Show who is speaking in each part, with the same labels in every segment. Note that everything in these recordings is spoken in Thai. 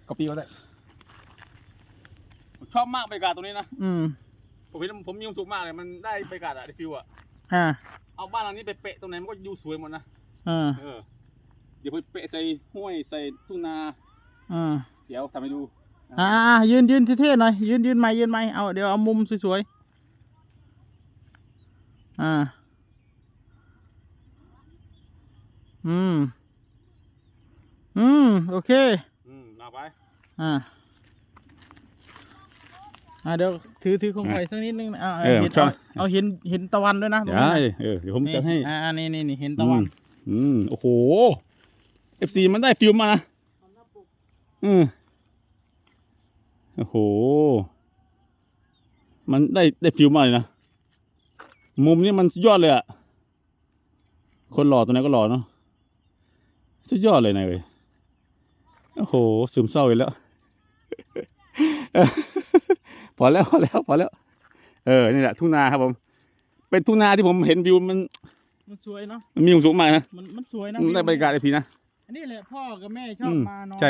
Speaker 1: ก็ปีก็ได้ชอบมากบรรยากาศตรงนี้นะผมมีความสุขมากเลยมันได้บรรยากาศอะได้ฟิวอะเอาบ้านหลังนี้ไปเปะตรงไหนมันก็ดูสวยหมดนะเดี๋ยวไปเปะใส่ห้วยใส่ทุ่งนาเดี๋ยวทำให้ดู
Speaker 2: ยืนเท่ๆหน่อยยืนใหม่เอาเดี๋ยวเอามุมสวยๆโอเค
Speaker 1: เอาไป
Speaker 2: เดี๋ยวถือคงไฟสักนิดนึงเอาเห็นตะวันด้วยนะ
Speaker 1: ได้เดี๋ยวผมจะให้
Speaker 2: นี่เห็นตะวัน
Speaker 1: โอ้โห FC มันได้ฟิลมานะโอ้โหมันได้ฟิลมาเลยนะมุมนี้มันสุดยอดเลยอะคนหล่อตัวไหนก็หล่อเนาะสุดยอดเลยนะเว้ยโอ้โหซึมเศร้าอีกแล้วพอแล้วนี่แหละทุ่งนาครับผมเป็นทุ่งนาที่ผมเห็นวิวมัน
Speaker 2: สวยเนาะ
Speaker 1: มันมีความสุขมากนะ
Speaker 2: มันสวยนะ
Speaker 1: ได้บรรยากาศFCนะ
Speaker 2: อันนี้แหละพ่อกับแม่ชอบมานอน
Speaker 1: ใช่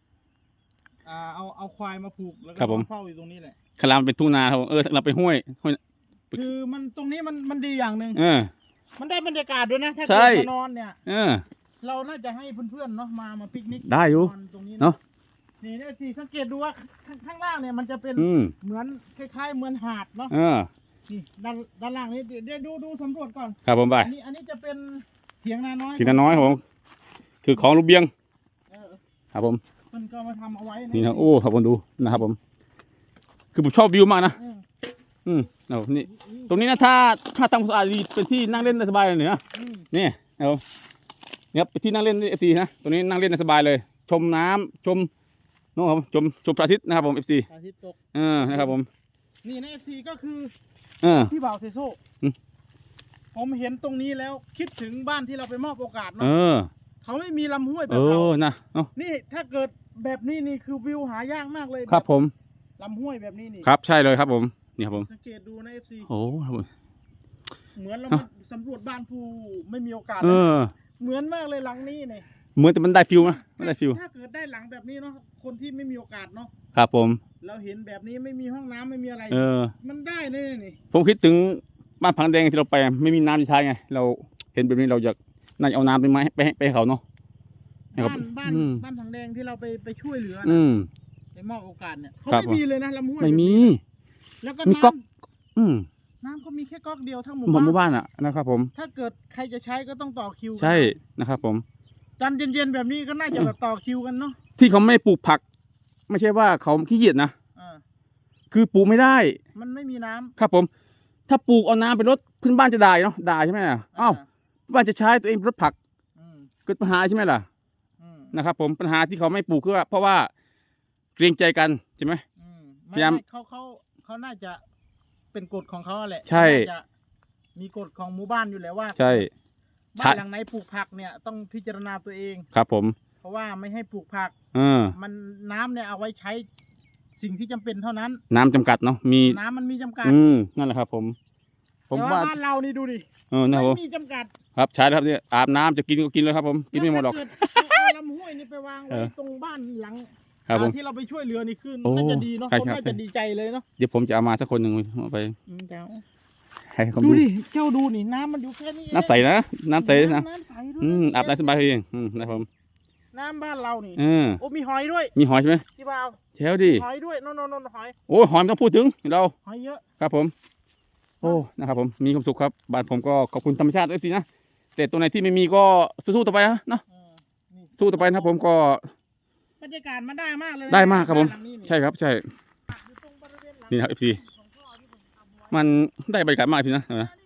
Speaker 2: เอาควายมาผูกแล้วก็เฝ้าอยู่ตรงนี้แหละ
Speaker 1: คลามเป็นทุ่งนาครับเราไปห้วย
Speaker 2: คือมันตรงนี้มันดีอย่างหนึ่งมันได้บรรยากาศด้วยนะถ้าเกิดมานอนเนี่ยเราน่าจะให้เพื่อนๆเนาะมาปิกนิก
Speaker 1: ได้อยู่
Speaker 2: ตรงนี้เนาะนี่สิสังเกตดูว่าข้างล่างเนี่ยมันจะเป็นเหมือนคล้ายๆเหมือนหาดเนาะนี่ด้านล่างนี้เดี๋ยวดูสำรวจก่อน
Speaker 1: ครับผมไป
Speaker 2: อันนี้จะเป็นเถียงนาน้อย
Speaker 1: ผมคือของลูกเบี้ยงครับผม
Speaker 2: มันก็มาทำเอาไว้
Speaker 1: นี่นะโอ้ครับผมดูนะครับผมคือผมชอบวิวมากนะนี่ตรงนี้นะถ้าทำความสะอาดดีเป็นที่นั่งเล่นได้สบายเลยนะนี่นะครับเนี่ยเป็นที่นั่งเล่นFCนะตรงนี้นั่งเล่นได้สบายเลยชมน้ำชมโน้ครับชมพระอาทิตย์นะครับผม FC
Speaker 2: พระอาทิตย์ตก
Speaker 1: นะครับผม
Speaker 2: นี่ใน FC ก็คือที่บ่าวเซโซ่ผมเห็นตรงนี้แล้วคิดถึงบ้านที่เราไปมอบโอกาสเนาะเขาไม่มีลำห้วยแบบเรา
Speaker 1: นะ
Speaker 2: นี่ถ้าเกิดแบบนี้นี่คือวิวหายากมากเลย
Speaker 1: ครับผม
Speaker 2: ลำห้วยแบบนี้นี่
Speaker 1: ครับใช่เลยครับผมนี่ครับผม
Speaker 2: สังเกตดูใน FC
Speaker 1: โอ้ครับผม
Speaker 2: เหมือนเราสำรวจบ้านผู้ไม่มีโอกาสเหมือนมากเลยหลังนี้เนี่ย
Speaker 1: เหมือนแต่มันได้ฟิลนะไม่ได้ฟิล
Speaker 2: ถ้าเกิดได้หลังแบบนี้เนาะคนที่ไม่มีโอกาสเนาะ
Speaker 1: ครับผม
Speaker 2: เราเห็นแบบนี้ไม่มีห้องน้ำไม่มีอะไรมันได้นี่
Speaker 1: ผมคิดถึงบ้านพังแดงที่เราไปไม่มีน้ำที่ใช้ไงเราเห็นแบบนี้เราอยากน่าจะเอาน้ำไปไหมไปให้เขาเนาะ
Speaker 2: บ้านพังแดงที่เราไปช่วยเหลือไปมอบโอกาสเนี่ยเขาไม่มีเลยนะลำห้วย
Speaker 1: ไม่มี
Speaker 2: แล้วก็
Speaker 1: มีก๊อก
Speaker 2: น้ำก็มีแค่ก๊อกเดียวทั้งหมู่
Speaker 1: บ้านอ่ะนะครับผม
Speaker 2: ถ้าเกิดใครจะใช้ก็ต้องต่อคิว
Speaker 1: ใช่นะครับผม
Speaker 2: ตอนเย็นๆแบบนี้ก็น่าจะแบบต่อคิวกันเนาะ
Speaker 1: ที่เขาไม่ปลูกผักไม่ใช่ว่าเขาขี้เกียจนะคือปลูกไม่ได้
Speaker 2: มันไม่มีน้ำ
Speaker 1: ครับผมถ้าปลูกเอาน้ำไปรดพื้นบ้านจะได้เนาะได้ใช่ไหมอ้าวบ้านจะใช้ตัวเองรดผักเกิดปัญหาใช่ไหมล่ะนะครับผมปัญหาที่เขาไม่ปลูกคือเพราะว่าเกรงใจกันใช่ไหม
Speaker 2: พยายามเขาน่าจะเป็นกฎของเขาแหละ
Speaker 1: ใช่
Speaker 2: มีกฎของหมู่บ้านอยู่แล้วว่า
Speaker 1: ใช่
Speaker 2: บ้านหลังไหนปลูกผักเนี่ยต้องพิจารณาตัวเอง
Speaker 1: ครับผม
Speaker 2: เพราะว่าไม่ให้ปลูกผักมันน้ำเนี่ยเอาไว้ใช้สิ่งที่จำเป็นเท่านั้น
Speaker 1: น้ำจำกัดเนาะมี
Speaker 2: น้ำมันมีจำกัด
Speaker 1: นั่นแหละครับผม
Speaker 2: ว่าบ้านเรานี่ดูดิ
Speaker 1: ไม่
Speaker 2: มีจำกัด
Speaker 1: ครับใช่ครับเนี่ยอาบน้ำจะกินก็กินเลยครับผมกินไม่หมดหรอก
Speaker 2: เอาลำห้วยนี่ไปวางไว้ตรงบ้านหลังที่เราไปช่วยเหลือนี่ขึ้นน่าจะดีเนาะผมน่าจะดีใจเลยเนาะ
Speaker 1: เดี๋ยวผมจะเอามาสักคนหนึ่งไป
Speaker 2: ดูดิเจ้าดูนี่น้ำมันอยู่แค่นี้
Speaker 1: น้ำใสนะน้ำใสนะอาบน้ำสบายเองนะครับผม
Speaker 2: น้ำบ้านเรานี่โอ้มีหอยด้วย
Speaker 1: มีหอยใช่ไหม
Speaker 2: พี่บ่าว
Speaker 1: แถวดิ
Speaker 2: หอยด้วยนนหอย
Speaker 1: โอ้หอยไม่ต้องพูดถึงเรา
Speaker 2: หอยเยอะ
Speaker 1: ครับผมโอ้นะครับผมมีความสุขครับบ้านผมก็ขอบคุณธรรมชาติด้วยสินะแต่ตัวไหนที่ไม่มีก็สู้ต่อไปนะเนาะสู้ต่อไปนะผมก็
Speaker 2: บรรยากาศมันได้มากเลย
Speaker 1: ได้มากครับผมใช่ครับใช่นี่ครับFCมันได้บรรยากาศมากพี่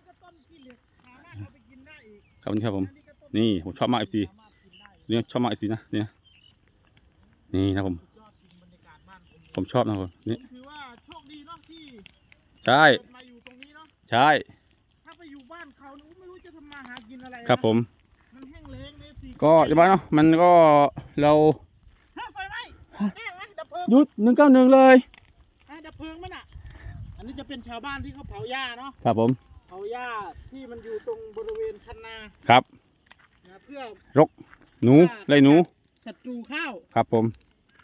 Speaker 1: นะครับผมนี่ผมชอบมาก FC นี่ชอบมาก FC นะนี่นะผมชอบนะครับนี่
Speaker 2: ถือว่าโชคดีเนาะที่
Speaker 1: ใช่
Speaker 2: มาอยู่ตรงนี้เนาะ
Speaker 1: ใช่
Speaker 2: ถ้าไปอยู่บ้านเขาไม่รู้จะทำมาหากินอะไร
Speaker 1: ครับผม
Speaker 2: มันแห้งแล้งเลยสิ
Speaker 1: ก็จะบ้านเนาะมันก็เรา
Speaker 2: ไฟไหม้ดับเพลิง
Speaker 1: หยุด191เลย
Speaker 2: ดับเพลิงมันอ่ะอันนี้จะเป็นชาวบ้านที่เขาเผาหญ้าเนาะ
Speaker 1: ครับผม
Speaker 2: เผาหญ้าที่มันอยู่ตรงบริเวณคันนา
Speaker 1: ครับ
Speaker 2: เพื่อ
Speaker 1: รกหนูไล่หนู
Speaker 2: ศัตรูข้าว
Speaker 1: ครับผม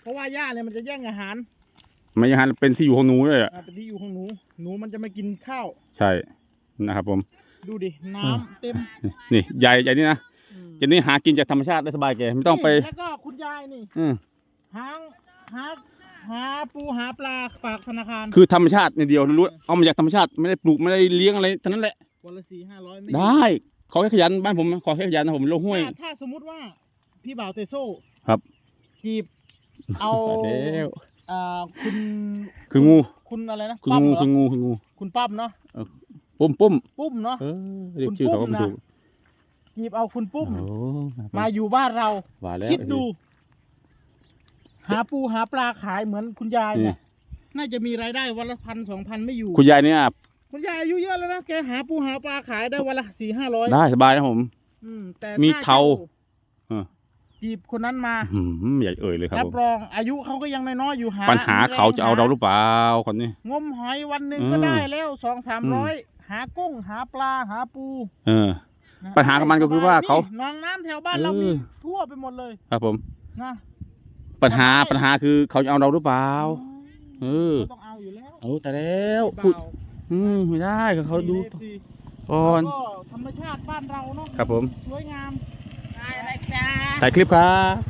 Speaker 2: เพราะว่าหญ้าเนี่ยมันจะแย่งอาหาร
Speaker 1: ไม่อย่างนั้นเป็นที่อยู่ของหนูเลยอ่ะ
Speaker 2: เป็นที่อยู่ของหนูมันจะไม่กินข้าว
Speaker 1: ใช่นะครับผม
Speaker 2: ดูดิน้ำเต็ม
Speaker 1: นี่ใหญ่นี่นะเจนนี่หากินจากธรรมชาติได้สบายแกไม่ต้องไป
Speaker 2: แล้วก็คุณยายนี่ หาปูหาปลาฝากธนาคาร
Speaker 1: คือธรรมชาติในเดียวรู้เอามาจากธรรมชาติไม่ได้ปลูกไม่ได้เลี้ยงอะไรทั้งนั้นแหละ
Speaker 2: วันละ400-500ไม่
Speaker 1: ได้ขอแค่ขยันบ้านผมขอแค่ขยันนะผมลงห้วย
Speaker 2: ถ้าสมมุติว่าพี่บ่าวเตโซ่
Speaker 1: ครับ
Speaker 2: จีบเอา
Speaker 1: แล้ว
Speaker 2: คุณ
Speaker 1: คืองู
Speaker 2: คุณอะไรนะ
Speaker 1: คือ
Speaker 2: ปั้ม
Speaker 1: งู
Speaker 2: เหรอ
Speaker 1: คืองูคืองู
Speaker 2: คุณปั้มเนาะ
Speaker 1: ปุ้ม
Speaker 2: ปุ้มเนาะ
Speaker 1: เรียกชื่อเขาก็ไม่ถูก
Speaker 2: จีบเอาคุณปุ้ม
Speaker 1: โอ้
Speaker 2: มาอยู่บ้านเรา
Speaker 1: ว่าแล้ว
Speaker 2: คิดดู หาปูหาปลาขายเหมือนคุณยายเนี่ยน่าจะมีรายได้วันละ1,000-2,000ไม่อยู่
Speaker 1: คุณยายเนี่ย
Speaker 2: คุณยายอายุเยอะแล้วนะแกหาปูหาปลาขายได้วันละ400-500
Speaker 1: ได้สบายนะผม
Speaker 2: แต่
Speaker 1: มี
Speaker 2: ถ้
Speaker 1: เทา
Speaker 2: จีบคนนั้นมา
Speaker 1: อยากเอ่ยเลยครับ
Speaker 2: รั
Speaker 1: ผ
Speaker 2: บ
Speaker 1: ม
Speaker 2: รองอายุเขาก็ยังน้อยๆอยู่หา
Speaker 1: ปัญหาเขาจะเอาเราหรือเปล่าคนนี้
Speaker 2: งมหอยวันหนึ่งก็ได้แล้ว200-300หากุ้งหาปลาหาปู
Speaker 1: นะปัญหาของมันก็คือว่าเขา
Speaker 2: หนองน้ำแถวบ้านเรามีทั่วไปหมดเลย
Speaker 1: ครับผม
Speaker 2: นะ
Speaker 1: ปัญหาคือเขาจะเอาเราหรือเปล่า
Speaker 2: เขาต้องเอาอยู่แล้ว
Speaker 1: แต่แล้วพูดไม่ได้เขาดูก่อน
Speaker 2: ก็ธรรมชาติบ้านเราเนาะ
Speaker 1: ครับผม
Speaker 2: สวยงามอะไรจ้า
Speaker 1: ถ่ายคลิปครับ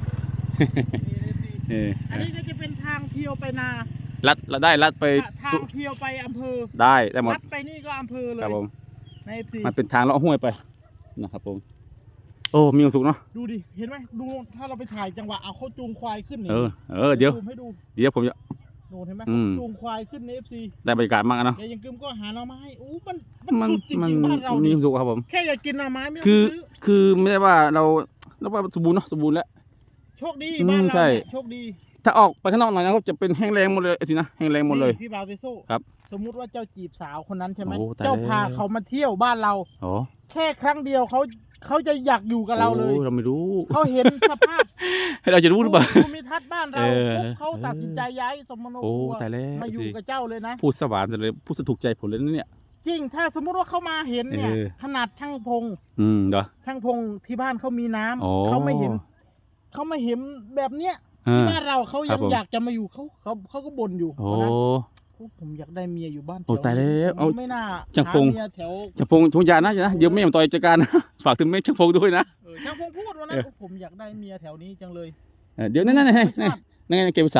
Speaker 2: อันนี้ก็จะเป็นทางเที่ยวไปนา
Speaker 1: ลัดไป
Speaker 2: ทางเที่ยวไปอำเภอ
Speaker 1: ได้หมด
Speaker 2: ลัดไปนี่ก็อำเภอเลย
Speaker 1: ครับผม
Speaker 2: ใน FC
Speaker 1: มันเป็นทางเลาะห้วยไปนะครับผมโอ้มีความสุขเนาะ
Speaker 2: ดูดิเห็นไหมดูถ้าเราไปถ่ายจังหวะเอาเขาจูงควายขึ้นนี่
Speaker 1: เดี๋ยว
Speaker 2: ซูมให้ดู
Speaker 1: ผมจะ
Speaker 2: ดูเห็นไหม
Speaker 1: อืม
Speaker 2: จูงควายขึ้นใน FC
Speaker 1: ได้บรรยากาศมากเนาะ
Speaker 2: เดี๋ยวยังกึมก็หาหน่อไม้มัน
Speaker 1: มัน
Speaker 2: สุดจริ
Speaker 1: มัน
Speaker 2: งๆบ้านเรา
Speaker 1: มี
Speaker 2: นี่
Speaker 1: ความสุขครับผม
Speaker 2: แค่อยากกินหน่อไม้ไม่ต้อง
Speaker 1: คือ
Speaker 2: ซื้อ
Speaker 1: คือไม่ได้ว่าเราว่าสมบูรณ์เนาะสมบูรณ์แล้ว
Speaker 2: โชคดีบ้านเรา
Speaker 1: ใช่
Speaker 2: เนี่ยโชคดี
Speaker 1: ถ้าออกไปข้างนอกหน่อยนะครับจะเป็นแห้งแรงหมดเลยสินะแห้งแรงหมดเลย
Speaker 2: นี่พี่บ่าวเตโซ่
Speaker 1: ครับ
Speaker 2: สมมุติว่าเจ้าจีบสาวคนนั้นใช่ไหม
Speaker 1: โอ้ตาย
Speaker 2: เจ้า
Speaker 1: แล้ว
Speaker 2: พาเขามาเที่ยวบ้านเรา
Speaker 1: โอ้
Speaker 2: แค่ครั้งเดียวเขาจะอยากอยู่กับเราเลย
Speaker 1: โอ้เราไม่รู้
Speaker 2: เขาเห็นสภาพ
Speaker 1: ให้เราจะรู้หรือเปล่า
Speaker 2: ภูมิทัศน์บ้านเรา
Speaker 1: เออ
Speaker 2: ปุ๊บเขาตัดสินใจย้ายสมโน
Speaker 1: โอ้
Speaker 2: ครัว
Speaker 1: ตายแล้ว
Speaker 2: มาอยู่กับเจ้าเลยนะ
Speaker 1: พูดสว่านเลยพูดสะถูกใจผมเลยนะเนี่ย
Speaker 2: จริงถ้าสมมุติว่าเขามาเห็นเนี่ย ขนาดช่างพง
Speaker 1: เหรอ
Speaker 2: ช่างพงที่บ้านเขามีน้ำ
Speaker 1: อ๋อ
Speaker 2: เขาไม่เห็นแบบเนี้ยที่บ้านเราเขา
Speaker 1: ครั
Speaker 2: ยั
Speaker 1: บ
Speaker 2: ง
Speaker 1: ผม
Speaker 2: อยากจะมาอยู่เขาก็บ่นอยู่
Speaker 1: โอ้
Speaker 2: นะผมอยากได้เมียอยู่บ้านแถ
Speaker 1: โอ้
Speaker 2: ว
Speaker 1: ตายแล้ว
Speaker 2: ผม
Speaker 1: เอา
Speaker 2: ไม่น่า
Speaker 1: ช่างพง
Speaker 2: หเมียแถว
Speaker 1: ช่างพงยานะเดี๋ยวแม่มาต่อยจัดการนะฝากถึงแม่ช่างพงด้วยนะ
Speaker 2: ช่างพงพูดว่านะ
Speaker 1: เออ
Speaker 2: ผมอยากได้เมียแถวนี้จังเลย
Speaker 1: เดี๋ยวนั่นเกมสาว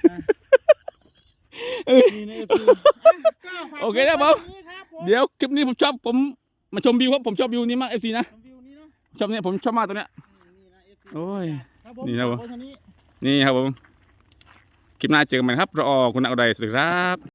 Speaker 2: นี่ใน FP ก็ฝาก
Speaker 1: โอเคนะผม
Speaker 2: ไว้นี้ครับผม
Speaker 1: เดี๋ยวคลิปนี้ผมมาชมวิวครับผมชอบวิวนี้มาก FC นะ
Speaker 2: วิวนี้เนาะ
Speaker 1: ชอบเนี่ยผมชอบมากตัวเนี้ย
Speaker 2: นี่นะ FP
Speaker 1: โอ้ย
Speaker 2: ครับผม
Speaker 1: นี่นะผม
Speaker 2: ฝากไว้เท่านี้
Speaker 1: นี่ครับผมคลิปหน้าเจอกันใหม่ครับรอคุณนักอะไรสวัสดีครับ